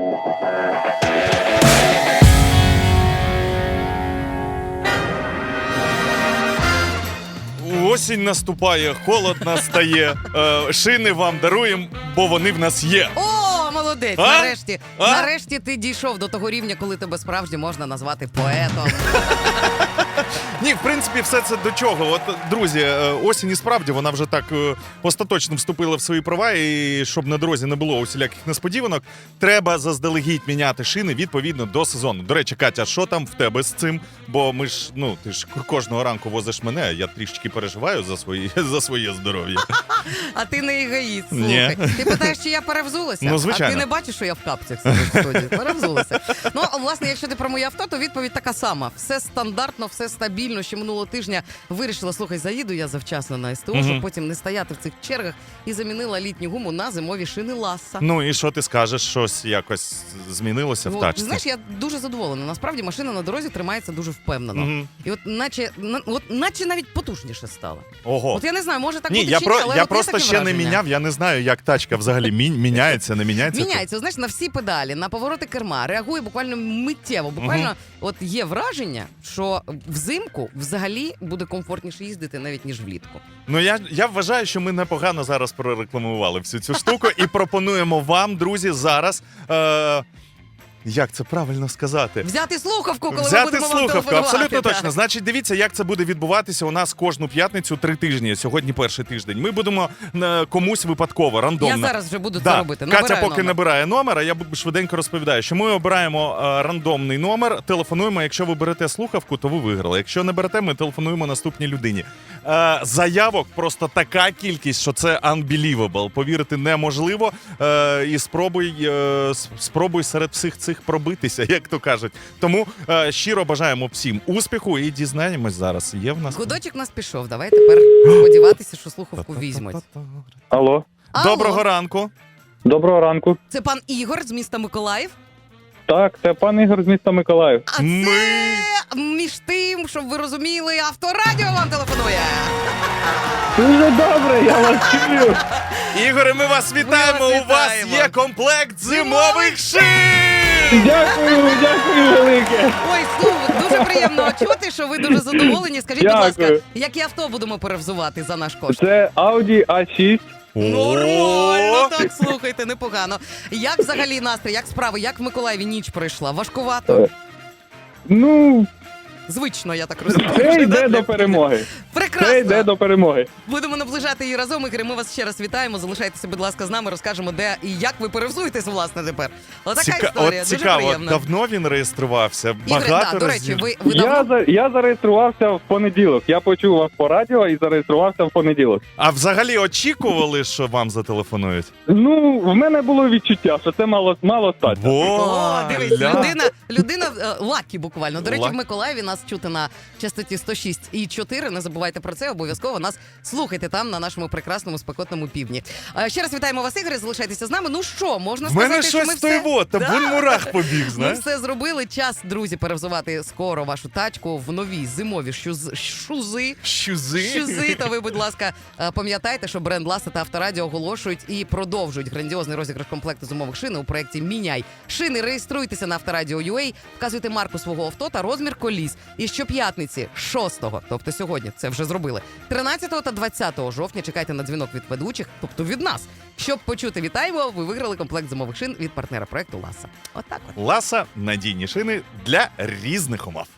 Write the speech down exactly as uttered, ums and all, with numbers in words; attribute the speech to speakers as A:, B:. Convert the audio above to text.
A: Осінь наступає, холод настає, е, шини вам даруємо, бо вони в нас є.
B: О, молодець,
A: А?
B: нарешті.
A: А?
B: Нарешті ти дійшов до того рівня, коли тебе справді можна назвати поетом.
A: Ні, в принципі, все це до чого. От, друзі, е, осінь і справді вона вже так е, остаточно вступила в свої права, і щоб на дорозі не було усіляких несподіванок, треба заздалегідь міняти шини відповідно до сезону. До речі, Катя, що там в тебе з цим? Бо ми ж, ну, ти ж кожного ранку возиш мене, а я трішечки переживаю за свої, за своє здоров'я.
B: А ти не егоїст,
A: Ні.
B: слухай. Ти питаєш, чи я перевзулася?
A: Ну, звичайно.
B: А ти не бачиш, що я в капцях сиджу в студії? Перевзулася. Ну, власне, якщо ти про моє авто, то відповідь така сама. Все стандартно, все стабільно. Ще минулого тижня вирішила, слухай, заїду я завчасно на СТО,
A: Мгм.
B: щоб потім не стояти в цих чергах, і замінила літню гуму на зимові шини Ласса.
A: Ну і що ти скажеш, щось якось змінилося в
B: От,
A: тачці?
B: знаєш, я дуже задоволена. Насправді машина на дорозі тримається дуже впевнено.
A: Мгм.
B: І от наче, на- от наче навіть потужніше стало.
A: Ого.
B: От я не знаю, може так
A: Ні,
B: буде
A: я,
B: чи
A: про,
B: ні, але
A: я
B: от
A: просто
B: таке
A: ще не
B: враження.
A: міняв, я не знаю, як тачка взагалі мі, міняється, не міняється.
B: Міняється, знаєш, на всі педалі, на повороти керма, реагує буквально миттєво. Буквально,
A: Мгм.
B: от є враження, що взимку взагалі буде комфортніше їздити навіть ніж влітку.
A: Ну я, я вважаю, що ми непогано зараз прорекламували всю цю штуку і пропонуємо вам, друзі, зараз. Е, Як це правильно сказати?
B: Взяти слухавку, коли ми
A: Взяти
B: будемо вам
A: слухавку,
B: телефонувати.
A: абсолютно
B: так.
A: точно. Значить, дивіться, як це буде відбуватися у нас кожну п'ятницю три тижні. Сьогодні перший тиждень. Ми будемо е, комусь випадково, рандомно.
B: Я зараз вже буду
A: Да.
B: це робити.
A: Катя
B: Набираю
A: поки
B: номер.
A: набирає номер, а я бу- швиденько розповідаю, що ми обираємо е, рандомний номер, телефонуємо. Якщо ви берете слухавку, то ви виграли. Якщо не берете, ми телефонуємо наступній людині. Е, заявок просто така кількість, що це unbelievable. Повірити неможливо. Е, і спробуй, е, с- спробуй серед всіх цих пробитися, як то кажуть. Тому е, щиро бажаємо всім успіху і дізнаємось зараз. Є в нас
B: Гудочок у нас пішов. Давай тепер сподіватися, що слухавку візьмуть.
C: Алло,
B: Алло,
A: Доброго ранку.
C: доброго ранку.
B: це пан Ігор з міста Миколаїв.
C: Так, це пан Ігор з міста Миколаїв.
B: А
A: Ми-
B: це між тим, щоб ви розуміли, Авторадіо вам телефонує.
C: Дуже добре, я вас чую.
A: Ігоре, ми вас вітаємо.
B: вас
A: У вас
B: вітаємо.
A: є комплект зимових шин!
C: Дякую, дякую велике.
B: Ой, слухай, дуже приємно чути, що ви дуже задоволені. Скажіть, будь ласка,
C: Дякую.
B: які авто будемо перевзувати за наш кошт?
C: Це Audi а шість.
B: Нормально,
A: О!
B: так, слухайте, непогано. Як взагалі настрій, як справи, як в Миколаєві ніч пройшла? Важкувато?
C: Ну,
B: Звично, я так розумію.
C: це
B: вже,
C: йде
B: да?
C: до перемоги.
B: Прекрасно.
C: Це йде до перемоги.
B: Будемо наближати її разом. Ігорі, ми вас ще раз вітаємо. Залишайтеся, будь ласка, з нами, розкажемо, де і як ви перевзуєтесь, власне, тепер. Отака
A: Ціка...
B: історія,
A: От
B: дуже
A: цікаво,
B: приємно.
A: давно він реєструвався?
B: Ігор,
A: Багато
B: да, до речі,
A: разів?
B: ви, ви
C: Я,
B: давно...
C: за- я зареєструвався в понеділок. Я почув вас по радіо і зареєструвався в понеділок.
A: А взагалі очікували, що вам зателефонують?
C: Ну, в мене було відчуття, що це мало, мало стати.
B: О, дивись,
A: ля.
B: людина, людина е, лакі буквально. До речі,
A: Лакі.
B: в Миколаєві нас чути на частоті сто шість і чотири. Не забувайте про це, обов'язково нас слухайте там, на нашому прекрасному спекотному півдні. Е, Ще раз вітаємо вас, Ігорі, залишайтеся з нами. Ну що, можна
A: В
B: сказати,
A: мене
B: що ми
A: щось
B: все...
A: той вот, та
B: Да.
A: бун мурах побіг,
B: Ми
A: знаєш?
B: все зробили. Час, друзі, перевзувати скоро вашу тачку в нові зимові шуз... шузи.
A: Щузи.
B: Шузи, та ви, будь ласка, е, пам'ятайте, що бренд Ласа та Авторадіо оголошують і продовжують грандіозний розіграш комплекту зимових шин у проєкті «Міняй шини». Реєструйтеся на Авторадіо.ua, вказуйте марку свого авто та розмір коліс. І щоп'ятниці шостого, тобто сьогодні, це вже зробили, тринадцятого та двадцятого жовтня чекайте на дзвінок від ведучих, тобто від нас. Щоб почути «Вітаємо», ви виграли комплект зимових шин від партнера проєкту Ласа. Отак от.
A: Ласа – надійні шини для різних умов.